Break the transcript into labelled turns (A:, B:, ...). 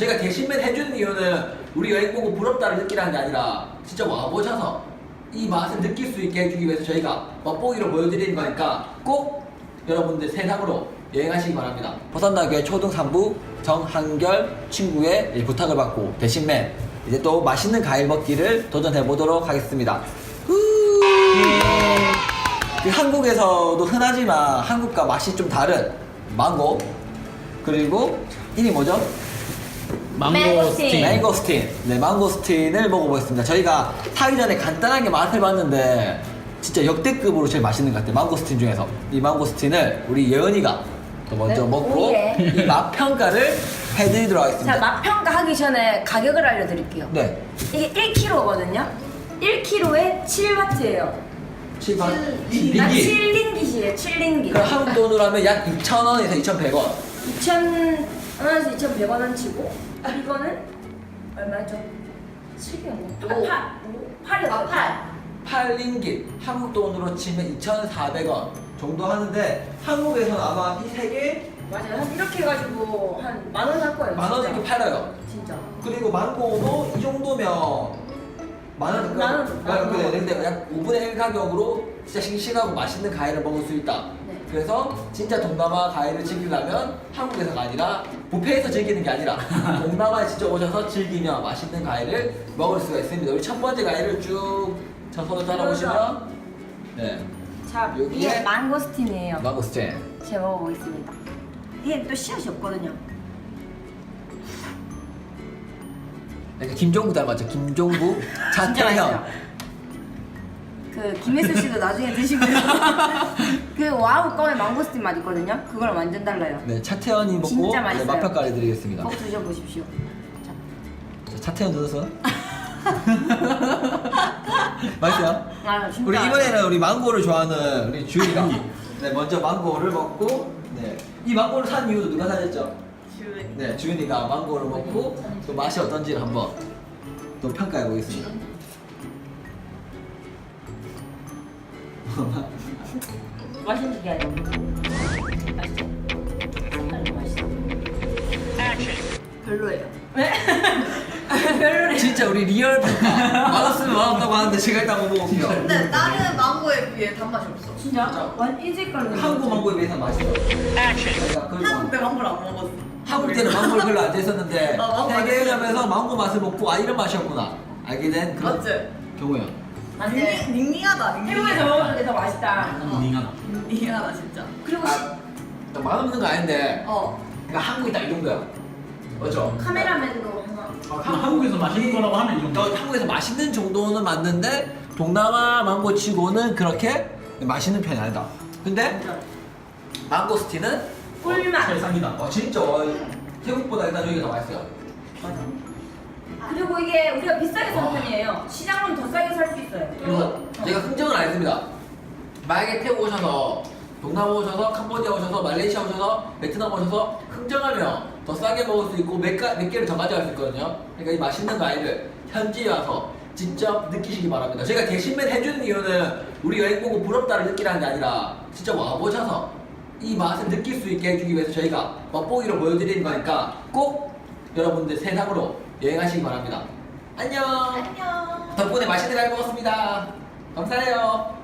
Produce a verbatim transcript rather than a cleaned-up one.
A: 제가 대신맨 해주는 이유는 우리 여행 보고 부럽다를 느끼라는 게 아니라 진짜 와보셔서 이 맛을 느낄 수 있게 해주기 위해서 저희가 맛보기로 보여드리는 거니까 꼭 여러분들 세상으로 여행하시기 바랍니다. 보산다교의 초등 삼 부 정한결 친구의 부탁을 받고 대신맨 이제 또 맛있는 과일 먹기를 도전해 보도록 하겠습니다. 그 한국에서도 흔하지만 한국과 맛이 좀 다른 망고, 그리고 이름이 뭐죠?
B: 망고스틴.
A: 망고스틴. 네, 망고스틴을 먹어보겠습니다. 저희가 사기 전에 간단하게 맛을 봤는데 진짜 역대급으로 제일 맛있는 것 같아요. 망고스틴 중에서 이 망고스틴을 우리 예은이가 또 먼저
B: 네,
A: 먹고
B: 오예.
A: 이 맛 평가를 해드리도록 하겠습니다.
B: 자, 맛 평가하기 전에 가격을 알려드릴게요.
A: 네,
B: 이게 일 킬로그램거든요. 일 킬로그램에 칠 바트예요.
A: 칠 바
B: 아,
A: 링기.
B: 칠 링깃이에요. 칠 링깃.
A: 그럼 한국 돈으로 하면 약 이천 원에서 이천백 원.
B: 이천 원에서 이천백 원치고 이거는 얼마죠? 칠이었나?
C: 오.
B: 팔. 팔이었어. 팔.
A: 팔 링깃. 한국 돈으로 치면 이천사백 원 정도 하는데 한국에서는 아마 이 세 개
B: 맞아요. 한 이렇게 해가지고 한 만 원 할 거예요.
A: 만 원
B: 진짜.
A: 이렇게 팔아요.
B: 진짜.
A: 그리고 망고도 이 정도면 만 원,
B: 만 원, 만 원.
A: 그래, 근데 약 오분의 일 가격으로 진짜 싱싱하고 맛있는 과일을 먹을 수 있다.
B: 네.
A: 그래서 진짜 동남아 과일을 즐기려면 한국에서가 아니라 뷔페에서 즐기는 게 아니라 동남아에 직접 오셔서 즐기며 맛있는 과일을 먹을 수가 있습니다. 우리 첫 번째 과일을 쭉 저 손을 따라보시면 네,
B: 자,
A: 여기에
B: 이게 망고스틴이에요.
A: 망고스틴.
B: 제가 먹어보겠습니다. 이게 또 씨앗이 없거든요.
A: 약간 김종국 닮았죠? 김종국,
B: 진짜
A: 차태현.
B: 맛있어요. 그 김혜수 씨도 나중에 드시고요. 그 와우 껌의 망고스틴 맛 있거든요. 그거랑 완전 달라요.
A: 네, 차태현이 먹고
B: 진짜
A: 네,
B: 맛있어요.
A: 맛평가를 해드리겠습니다.
B: 꼭 드셔보십시오. 자,
A: 자, 차태현 누르서. 맛있어요?
B: 아 진짜.
A: 우리 이번에는 우리 망고를 좋아하는 우리 주윤이가 네, 먼저 망고를 먹고 네. 이 망고를 산 이유도 누가 사줬죠?
C: 주은이.
A: 네, 주윤이가 망고를 먹고 또 맛이 어떤지를 한번 또 평가해 보겠습니다.
B: 맛있는 게 아니고 맛있어. 색깔이 맛있어. 별로예요. 왜? 별로래.
A: 진짜 우리 리얼 평가 맛없으면 맛없다고 하는데 제가 일단 한번 먹어볼게요.
C: 근데 다른 망고에 비해 단맛이 없어.
B: 진짜? 완이 색깔로.
A: 한국 망고에 비해서 맛있어요. 저희가 그걸
C: 한국 때 망고를 안 먹었어.
A: 한국 때는 망고를 별로 안 좋아했었는데
C: 어, 망고
A: 세계에
C: 맛있어.
A: 가면서 망고 맛을 먹고 아 이런 맛이었구나 알게 된 그런
C: 맞지?
A: 경우예요.
B: 안돼.
C: 닝- 닝닝하다. 닝닝.
B: 태국에서 먹었는 게 더 맛있다.
D: 닝하다.
C: 닝닝하다 진짜.
B: 그리고
A: 아, 맛없는 거 아닌데
C: 어.
A: 그러니까 한국이 딱 이 정도야. 맞죠?
B: 카메라맨도 하나.
D: 한- 한국에서 맛있는 거라고 하면 이 정도.
A: 어, 한국에서 맛있는 정도는 맞는데 동남아 망고 치고는 그렇게 맛있는 편이 아니다. 근데 망고스틴은
B: 꿀맛.
D: 세상이다.
A: 어, 진짜 어, 태국보다 일단 여기가 더 맛있어요.
B: 그리고 이게 우리가 비싸게 사는 편이에요. 시장은 더 싸게 살 수 있어요.
A: 그리고 제가 흥정은 안 했습니다. 만약에 태국 오셔서 동남아 오셔서 캄보디아 오셔서 말레이시아 오셔서 베트남 오셔서 흥정하면 더 싸게 먹을 수 있고 몇, 가, 몇 개를 더 가져갈 수 있거든요. 그러니까 이 맛있는 과일을 현지에 와서 직접 느끼시기 바랍니다. 제가 대신맨 해주는 이유는 우리 여행 보고 부럽다를 느끼라는 게 아니라 진짜 와보셔서 이 맛을 느낄 수 있게 해주기 위해서 저희가 맛보기로 보여드리는 거니까 꼭 여러분들 세상으로 여행하시기 바랍니다. 안녕.
C: 안녕.
A: 덕분에 맛있는 과일 먹었습니다. 감사해요.